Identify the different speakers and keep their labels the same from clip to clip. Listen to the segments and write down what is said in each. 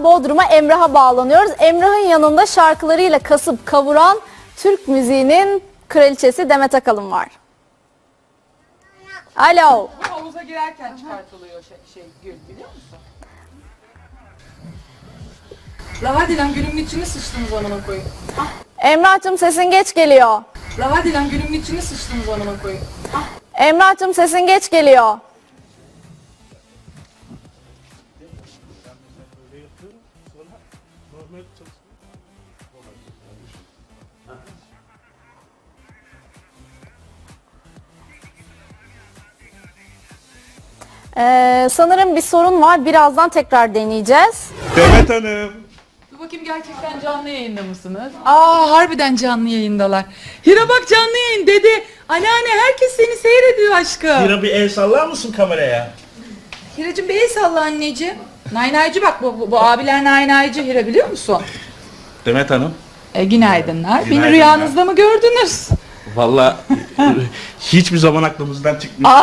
Speaker 1: Bodrum'a Emrah'a bağlanıyoruz. Emrah'ın yanında şarkılarıyla kasıp kavuran Türk müziğinin kraliçesi Demet Akalın var. Alo.
Speaker 2: Bu havuza girerken çıkartılıyor gül, biliyor musun? La hadi lan, gülümün içine sıçtınız amına koyayım.
Speaker 1: Emrah'cığım sesin geç geliyor.
Speaker 2: La hadi lan, gülümün içine sıçtınız amına koyayım.
Speaker 1: Emrah'cığım sesin geç geliyor. Sanırım bir sorun var. Birazdan tekrar deneyeceğiz.
Speaker 3: Demet Hanım.
Speaker 2: Dur bakayım, gerçekten canlı yayında mısınız? Aa, harbiden canlı yayındalar. Hira bak, canlı yayın dede. Anneanne, herkes seni seyrediyor aşkım.
Speaker 3: Hira bir el sallar mısın kameraya?
Speaker 2: Hiracığım bir el salla anneciğim. Naynaycı bak, bu abiler naynaycı Hira, biliyor musun?
Speaker 3: Demet Hanım.
Speaker 2: Günaydınlar. Beni
Speaker 3: Günaydınlar.
Speaker 2: rüyanızda mı gördünüz?
Speaker 3: Vallahi hiçbir zaman aklımızdan çıkmıyor.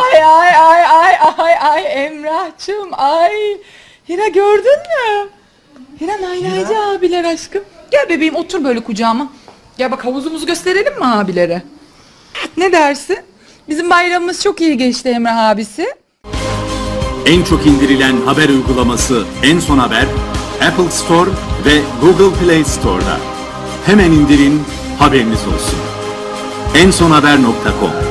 Speaker 2: Ay Emrah'cığım, ay. Hira gördün mü? Hira naynaycı abiler aşkım. Gel bebeğim, otur böyle kucağıma. Gel bak, havuzumuzu gösterelim mi abilere? Ne dersin? Bizim bayramımız çok iyi geçti Emrah abisi.
Speaker 4: En çok indirilen haber uygulaması En Son Haber, Apple Store ve Google Play Store'da. Hemen indirin, haberiniz olsun. ensonhaber.com